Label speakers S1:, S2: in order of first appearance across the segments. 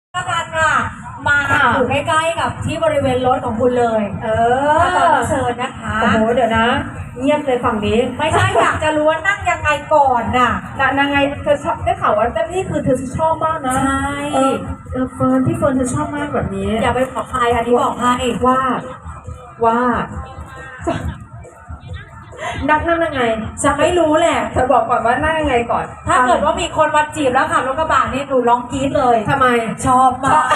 S1: ละกันค่ะมาอยู่ใกล้ๆกับที่บริเวณรถของคุณเลยตอนนี้เชิญนะคะ
S2: โอ้โหเดี๋ยวนะเงียบเลยฝั่งนี้
S1: ไม่ใช่อยากจะรู้ว่านั่งยังไงก่อนน่ะ
S2: นางไงเธอชอบได้ข่าวว่าเจ้านี่คือเธอชอบมากนะ
S1: ใช่
S2: เฟิร์นพี่เฟิร์นเธอชอบมากแบบนี้
S1: อย่าไปบอกใครอันนี้บอกให้
S2: ว่านั่งยังไง
S1: จะไม่รู้แหละ
S2: เธอบอกก่อนว่านั่งยังไงก่อน
S1: ถ้าเกิดว่ามีคนมาจีบแล้วขับรถกระบะนี่หนูร้องกรี๊ดเลย
S2: ทำไม
S1: ชอบมาก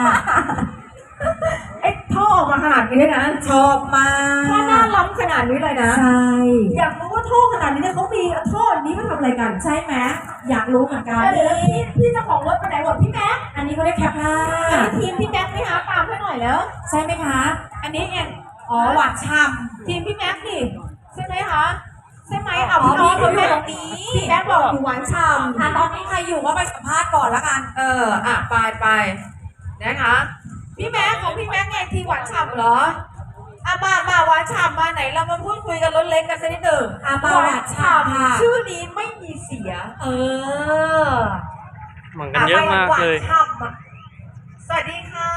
S2: ท่อออกมาขนาดนี้เลยนะ
S1: ชอบมาก
S2: ท่อหน้าล้ำขนาดนี้เลยนะ
S1: ใช่
S2: อยากรู้ว่าท่อขนาดนี้เนี่ยเขามีท่อนี้มาทำอะไรกัน
S1: ใช่ไหมอยากรู้เหมือนกัน
S2: พี่เจ้าของรถไปไหนหมดพี่แม็ก
S1: อันนี้เขาเรียกแคปหน้า
S2: ทีมพี่แม็กไม่หาตามให้หน่อยแล้ว
S1: ใช่ไหมคะ
S2: อันนี้เอง
S1: หวานฉ่ำ
S2: ทีมพี่แม็กนี่ใช่ไหมคะใช่ไหมเอา
S1: พี่
S2: เขา
S1: อยู่ตรงนี้
S2: พี่แม็กบอกอยู่หวานฉ่ำ
S1: ตอนนี้ใครอยู่ก็ไปสัมภาษณ์ก่อนละกัน
S2: ไปนะคะพี่แม็กของพี่แม็กไงทีหวานฉ่ำเหรอมาหวานฉ่ำมาไหนเรามาพูดคุยกันรถเล็กกันสักนิดหนึ่ง
S1: มาหวานฉ่ำ
S2: ชื่อนี้ไม่มีเสีย
S3: เหมือนกันเยอะมากเลย
S2: สวัสดีค่ะ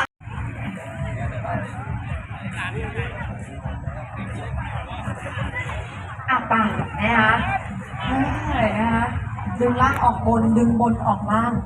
S2: ไปนะคะดึงล่างออกบนดึงบนออกล่าง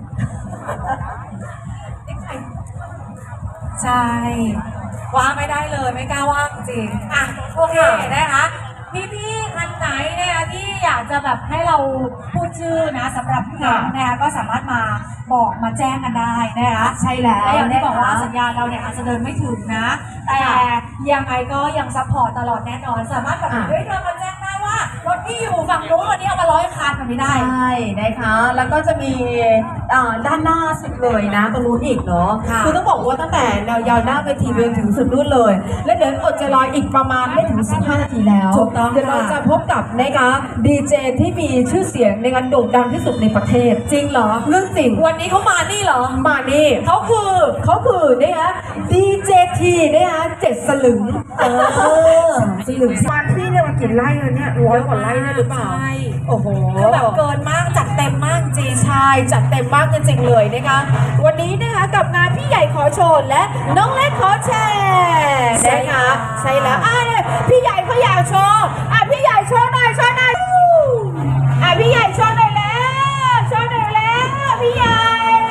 S1: ใช่ว่าไม่ได้เลยไม่กล้าว่างจริงโอเคนะคะพี่คันไหนเนี่ยที่อยากจะแบบให้เราพูดชื่อนะสำหรับพี่นะคะก็สามารถมาบอกมาแจ้งกันได้นะคะ
S2: ใช่แล้ว
S1: อย่างที่บอกว่าสัญญาณเราเนี่ยอาจจะเดินไม่ถึงนะแต่ยังไงก็ยังซัพพอร์ตตลอดแน่นอนสามารถแบบเฮ้ยเรามาแจ้งได้ว่ารถที่อยู่ฝั่งนู้นวันนี้เอามา100 คันแบบนี้ได้
S2: ใช่นะคะแล้วก็จะมีด้านหน้าสุดเลยนะตรงนู้นอีกเนาะคือต้องบอกว่าตั้งแต่แนวยาวหน้าเวทีไปถึงสุดนู่นเลยและเดี๋ยวอดใจรออีกประมาณไม่ถึง15 นาทีแล้ว
S1: ถูกต้อง
S2: เดี๋ยวเราจะพบกับนะคะดีเจที่มีชื่อเสียงในการโด่งดังที่สุดในประเทศ
S1: จริงเหรอ
S2: เรื่องจริง
S1: วันนี้เขามานี่เหรอ
S2: มานี่เขาคือนะคะดีเจทีนะคะ7 สลึง
S1: สลึง
S2: มาที่เนี่ยมากี่ไร่แล้วเนี่ย100 กว่าไร่เนี่ยหรือเปล่าโอ้โห
S1: แบบเกินมากจัดเต็มมากจริง
S2: ใช่จัดเต็มมากจริงๆเลยนะคะวันนี้นะคะกับงานพี่ใหญ่ขอโชว์และน้องเล็กขอแชร์นะคะใช่แล้วพี่ใหญ่เขาอยากโชว์พี่ใหญ่โชว์หน่อยพี่ใหญ่โชว์หน่อยแล้วพี่ใหญ่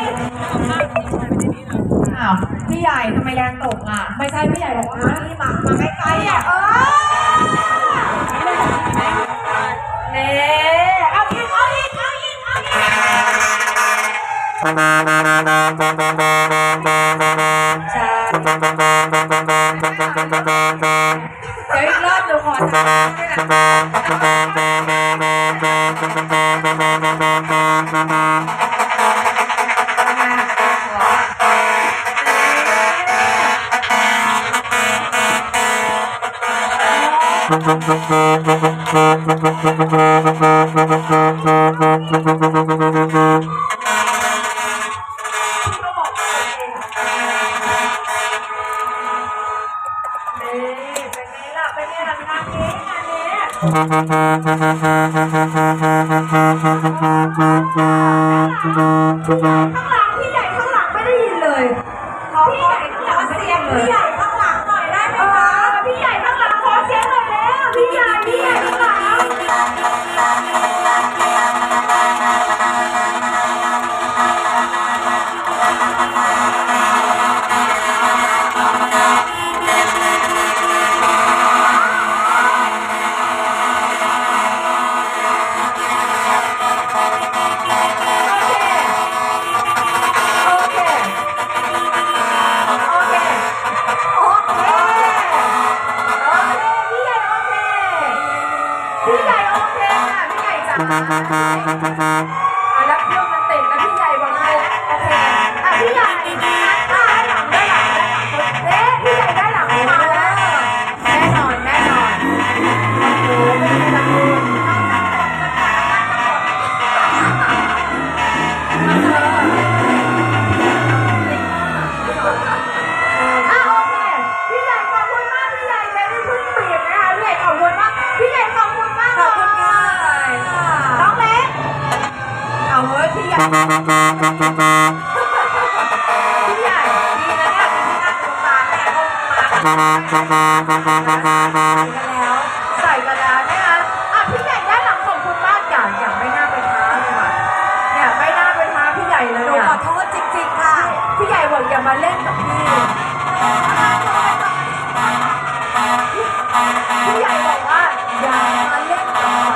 S2: พี่ใหญ่ทำไมแรงตก
S1: ไม่ใช่พี่ใหญ่บอกว่า
S2: นี่มาใกล้ๆเนี่ยเอาอีกใช่เดี๋ยวอีกรอบเดี๋ยวขอทเป็นไงล่ะงานนี้ข้างหลังพี่ใหญ่ข้างหลังไม่ได้ยินเลยพี่ใหญ่ข้างหลังเสียงพี่ใหญ่ข้างหลังหน่อยได้ไหมคะพี่ใหญ่ข้างหลังขอเสียงหน่อยแล้วพี่ใหญ่ข้างหลังพี่ใหญ่โอเคพี่ใหญ่จ๋าแล้วเครื่องมันติดแล้วพี่ใหญ่บอกเลยโอเคพี่ใหญ่ได้หลังพี่ใหญ่ได้หลังมาแล้วแน่นอนโอ้โหเป็นไงล่ะพี่ใหญ่ขอบคุณมากพี่ใหญ่เลยที่เพิ่งเปลี่ยนนะคะพี่ใหญ่ขอบคุณมากพี่ใหญ่ขอบคุณมาก
S1: ขอบคุณค่ะ
S2: น้องเล็ก
S1: แล้ว
S2: ใส่กันแล้วนะคะอ่ะพี่ใหญ่ด้านหลังของคุณมากอย่างไม่น่าไปท้าเลยว่ะเนี่ยไม่น่าไปท้าพี่ใหญ่เลย
S1: หนู
S2: อ่ะ
S1: ขอโทษจริงๆค่ะ
S2: พี่ใหญ่บอกอย่ามาเล่นกับพี่พี่ใหญ่บอกว่าอย่ามาเล่นกับใคร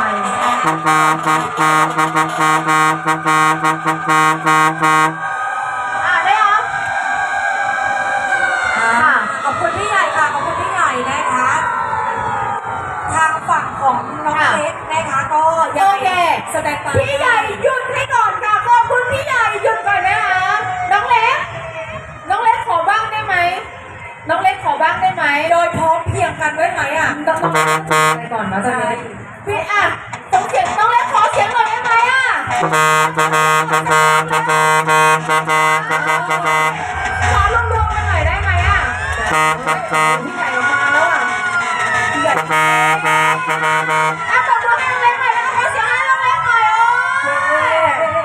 S2: ได้เหรอ
S1: ขอบคุณพี่ใหญ่ค่ะขอบคุณพี่ใหญ่นะคะ ทางฝั่งของน้องเล็กนะคะก็ยัง
S2: โอเค
S1: แสดงความ
S2: พี่ใหญ่หยุดให้ก่อนค่ะขอบคุณพี่ใหญ่หยุดก่อนนะคะน้องเล็กขอบ้างได้ไหมน้องเล็กขอบ้างได้ไหม
S1: โดยพร้อมเพรียงกันด้วยไหมอ่ะ
S2: ต้องไปก่อนนะตอนนี้พี่อ่ะส่งเสียงน้องเล็กขอเสียงหน่อยได้ไหมอ่ะขอรวมๆกันหน่อยได้ไหมอ่ะพี่ใหญ่ออกมาแล้วอ่ะพี่ใหญ่อ่ะตบมือให้น้องเล็กหน่อยแล้วก็ขอเสียงให้น้องเล็กหน่อยโอ้ย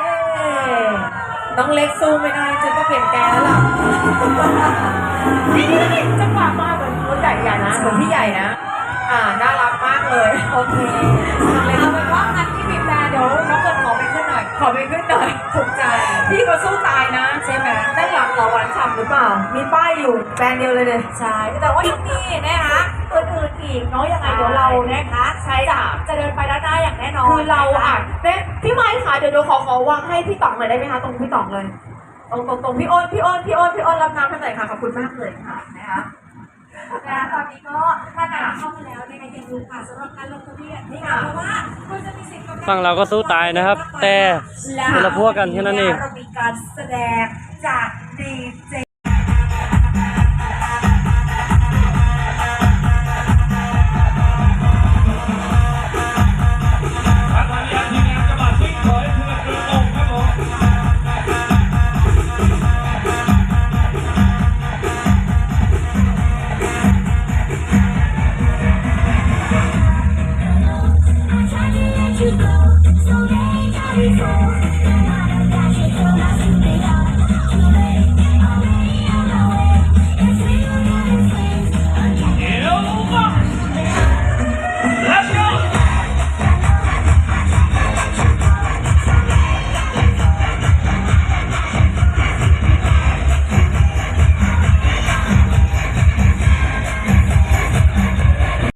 S2: น้องเล็กสู้ไม่ได้จะต้องเปลี่ยนแกแล้วล่ะนี่จังหวะมาเหมือนรถใหญ่นะเหมือนพี่ใหญ่นะน่ารักมากเลย
S1: โอเคเอาเป็นว่างั้นที่บีบแต่เดี๋ยวน้องเกิดขอไปขึ้นหน่อย
S2: ขอไปขึ้นหน่อย
S1: ถูกใจ
S2: พี่เขาสู้ตายนะ
S1: ใช่ไหม
S2: ด้านหลังเหรอหวานฉ่ำหรือเปล่า มีป้ายอยู่แบรนด์เดียวเลย
S1: ใช่แต่ว่ายังมีนะคะอื่นๆอีกเนาะยังไงเดี๋ยวเรานะคะ
S2: ใช่จ้ะ
S1: จะเดินไปด้านหน้าอย่างแน่นอน
S2: คือเราอ่ะ
S1: นะคะ
S2: เนี่ยพี่ไม้ค่ะเดี๋ยวขอวางให้พี่ต๋องหน่อยได้ไหมคะตรงพี่ต๋องเลยตรงพี่อ้นรับน้ำให้หน่อยค่ะขอบคุณมากเลยค่ะนะคะ
S1: และตอนนี้ก็ถ้าการเข้ามาแล้วนะคะอย่าลืมค่ะสำหรับการลงทะเบียนนี่ค่ะเพราะว่าคุณจะมีสิทธิ์กำลัง
S3: ฝั่งเราก็สู้ตายนะครับ แต่คนละพวกกันแค่นั้นเอง
S1: เรามีการแสดงจากดีเจ